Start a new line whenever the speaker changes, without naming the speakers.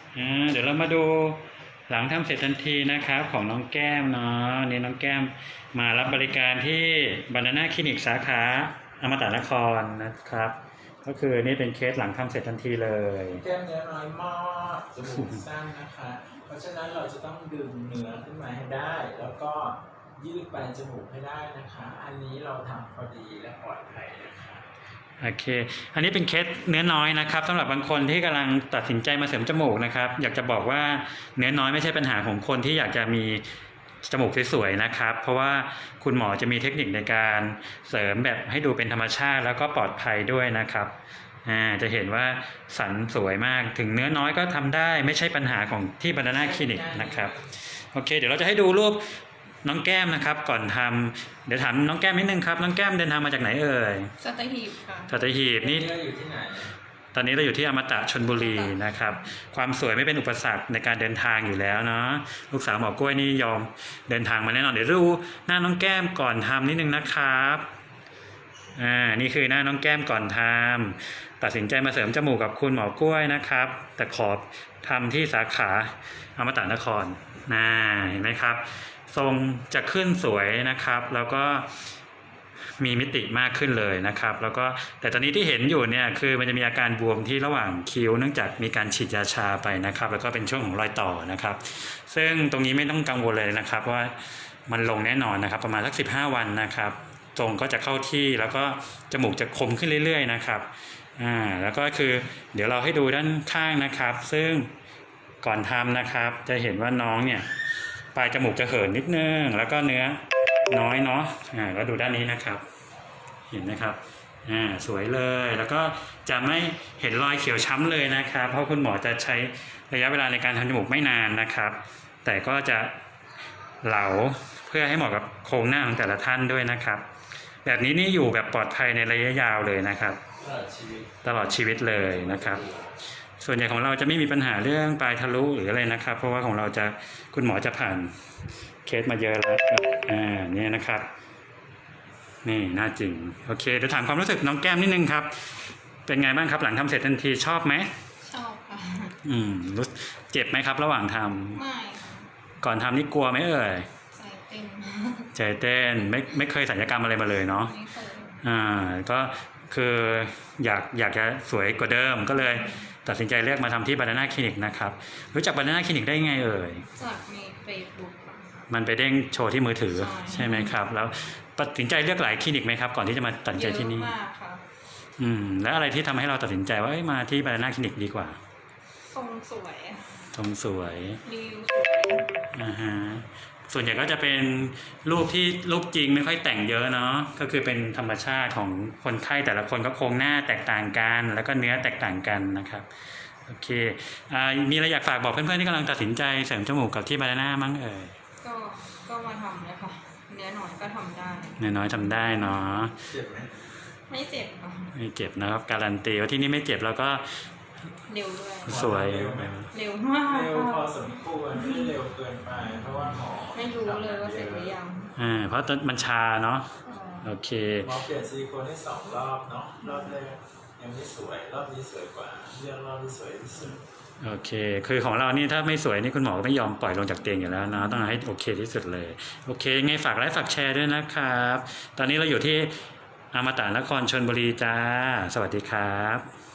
เดี๋ยวเรามาดูหลังทำเสร็จทันทีนะครับของน้องแก้มเนาะนี่น้องแก้มมารับบริการที่บานาน่าคลินิกสาขาอมตะนครนะครับ ก็คือนี่เป็นเคสหลังทำเสร็จทันทีเลย
แก้มเนื้อน้อยมากจมูกสั้นนะคะ เพราะฉะนั้นเราจะต้องดึงเนื้อขึ้นมาให้ได้ แล้วก็ยืดปลายจมูกให้ได้นะคะ อันนี้เราทำพอดีและปลอดภัยนะคะ
โอเค อันนี้เป็นเคสเนื้อน้อยนะครับสำหรับบางคนที่กำลังตัดสินใจมาเสริมจมูกนะครับ อยากจะบอกว่าเนื้อน้อยไม่ใช่ปัญหาของคนที่อยากจะมีจมูกสวยๆนะครับ เพราะว่าคุณหมอจะมีเทคนิคในการเสริมแบบให้ดูเป็นธรรมชาติแล้วก็ปลอดภัยด้วยนะครับจะเห็นว่าสันสวยมากถึงเนื้อน้อยก็ทำได้ไม่ใช่ปัญหาของที่บานาน่าคลินิกนะครับโอเคเดี๋ยวเราจะให้ดูรูปน้องแก้มนะครับก่อนทำเดี๋ยวถามน้องแก้มนิดนึงครับน้องแก้มเดินทางมาจากไหนเอ่ย
สัตหีบค่ะ
สัตหีบนี่
อยู่ที่ไหน
ตอนนี้เราอยู่ที่อมตะชลบุรีนะครับความสวยไม่เป็นอุปสรรคในการเดินทางอยู่แล้วเนาะลูกสาวหมอกล้วยนี่ยอมเดินทางมาแน่นอนเดี๋ยวดูหน้าน้องแก้มก่อนทำนิดนึงนะครับนี่คือหน้าน้องแก้มก่อนทำตัดสินใจมาเสริมจมูกกับคุณหมอกล้วยนะครับแต่ขอทำที่สาขาอมตะนครเห็นไหมครับทรงจะขึ้นสวยนะครับแล้วก็มีมิติมากขึ้นเลยนะครับแล้วก็แต่ตอนนี้ที่เห็นอยู่เนี่ยคือมันจะมีอาการบวมที่ระหว่างคิ้วเนื่องจากมีการฉีดยาชาไปนะครับแล้วก็เป็นช่วงของรอยต่อนะครับซึ่งตรงนี้ไม่ต้องกังวลเลยนะครับว่ามันลงแน่นอนนะครับประมาณสัก15 วันนะครับทรงก็จะเข้าที่แล้วก็จมูกจะคมขึ้นเรื่อยๆนะครับแล้วก็คือเดี๋ยวเราให้ดูด้านข้างนะครับซึ่งก่อนทำนะครับจะเห็นว่าน้องเนี่ยปลายจมูกจะเหินนิดนึงแล้วก็เนื้อน้อยเนาะแล้วดูด้านนี้นะครับเห็นไหมครับสวยเลยแล้วก็จะไม่เห็นรอยเขียวช้ำเลยนะครับเพราะคุณหมอจะใช้ระยะเวลาในการทำจมูกไม่นานนะครับแต่ก็จะเหลาเพื่อให้เหมาะกับโครงหน้าของแต่ละท่านด้วยนะครับแบบนี้นี่อยู่แบบปลอดภัยในระยะยาวเลยนะครับตลอดชีวิตเลยนะครับส่วนใหญ่ของเราจะไม่มีปัญหาเรื่องปลายทะลุหรืออะไรนะครับเพราะว่าของเราจะคุณหมอจะผ่านเคสมาเยอะแล้วนี่นะครับนี่น่าจริงโอเคเดี๋ยวถามความรู้สึกน้องแก้มนิดนึงครับเป็นไงบ้างครับหลังทำเสร็จทันทีชอบไหม
ชอบค่ะ
รู้เจ็บไหมครับระหว่างท
ำไม่
ก่อนทำนี่กลัวไหมเอ่ย
ใจเต้น
ไม่เคยศัลยกรรมอะไรมาเลยเนาะ
ไม่เคย
ก็คืออยากจะสวยกว่าเดิมก็เลยตัดสินใจเลือกมาทำที่บานาน่าคลินิกนะครับรู้จักบานาน่าคลินิกได้ไงเอ่ย
จากในเฟซบุ๊ก
มันไปเด้งโชว์ที่มือถือใช่ไหมครับแล้วตัดสินใจเลือกหลายคลินิกไหมครับก่อนที่จะมาตัดสินใจที่นี่
เยอะมากค่ะ
แล้วอะไรที่ทำให้เราตัดสินใจว่ามาที่บานาน่าคลินิกดีกว่า
ทรงสวยรีวิวสวย
ส่วนใหญ่ก็จะเป็นรูปจริงไม่ค่อยแต่งเยอะเนาะก็คือเป็นธรรมชาติของคนไข้แต่ละคนก็โครงหน้าแตกต่างกันแล้วก็เนื้อแตกต่างกันนะครับโอเคมีอะไรอยากฝากบอกเพื่อนๆที่กำลังตัดสินใจเสริมจมูกกับที่บานาน่ามั้งเอ่ย
ก็มาทำเลยค่ะเนื้อน้อยก็ทำได้
เนื้อน้อยทำได้เนาะ
เจ็บไหม
ไม่เจ็บค่ะ
ไม่เจ็บนะครับการันตีว่าที่นี่ไม่เจ็บแล้วก็
เร็วด้วย
สวย
เร็วมาก
เร็วพอสมควรไม่เร็วเกินไปเพราะว่าหมอ
ไม่รู้เลยว่าเสร็จหรือยัง
เพราะมันชาเนาะโอเค
หมอเปลี่ยนซิลิโคนให้2 รอบเนาะรอบแรกยังไม่สวยรอบนี้สวยกว่าเลือกรอบที่สวยที่สุด
โอเคคือของเรานี่ถ้าไม่สวยนี่คุณหมอไม่ยอมปล่อยลงจากเตียงอยู่แล้วนะต้องให้โอเคที่สุดเลยโอเคไงฝากไลค์ฝากแชร์ด้วยนะครับตอนนี้เราอยู่ที่อมตะนครชลบุรีจ้าสวัสดีครับ